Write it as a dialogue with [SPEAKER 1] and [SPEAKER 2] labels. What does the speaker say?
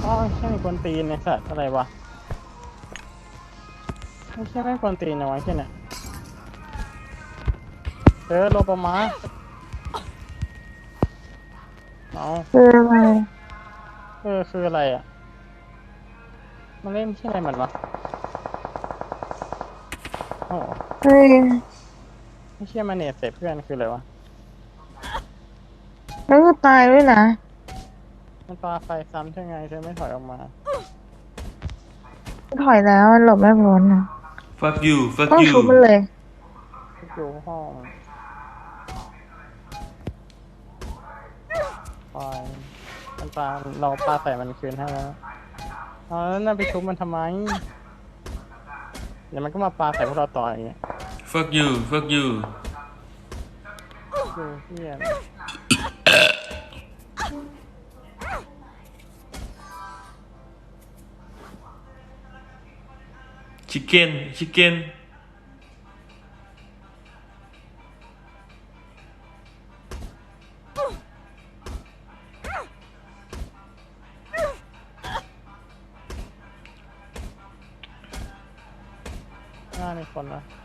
[SPEAKER 1] อ๋อใช่คนตีนในสัตว์อะไรวะไม่ใช่แม่งคนตีนนะวะแค่เนี่ยโลปามาเอา
[SPEAKER 2] คืออะไร
[SPEAKER 1] คืออะไรอ่ะมันเล่นที่อะไรมันวะโอ้
[SPEAKER 2] เฮ้ย
[SPEAKER 1] ไม่เชื่อมันเนตเสร็จเพื่อนคืออะไรวะ
[SPEAKER 2] แล้วก็ตายด้วยนะ
[SPEAKER 1] มันปาไฟซ้ำใช่ไงเธอไม่ถอยออกมา
[SPEAKER 2] ถอยแล้วมันหลบไม่พ้นนะ
[SPEAKER 3] fuck you fuck
[SPEAKER 2] ต้อง
[SPEAKER 3] you
[SPEAKER 2] ชุบมันเลย
[SPEAKER 1] อยู่ห้องไฟมันปาเราปาใส่มันคืนให้แล้วเอาแล้วนั่นไปชุบมันทำไมเดี๋ยวมันก็มาปาใส่พวกเราต่ออย่างเงี้ย
[SPEAKER 3] fuck you fuck you
[SPEAKER 1] คือเฮีย
[SPEAKER 3] chicken chicken
[SPEAKER 1] หน้ามีคนนะ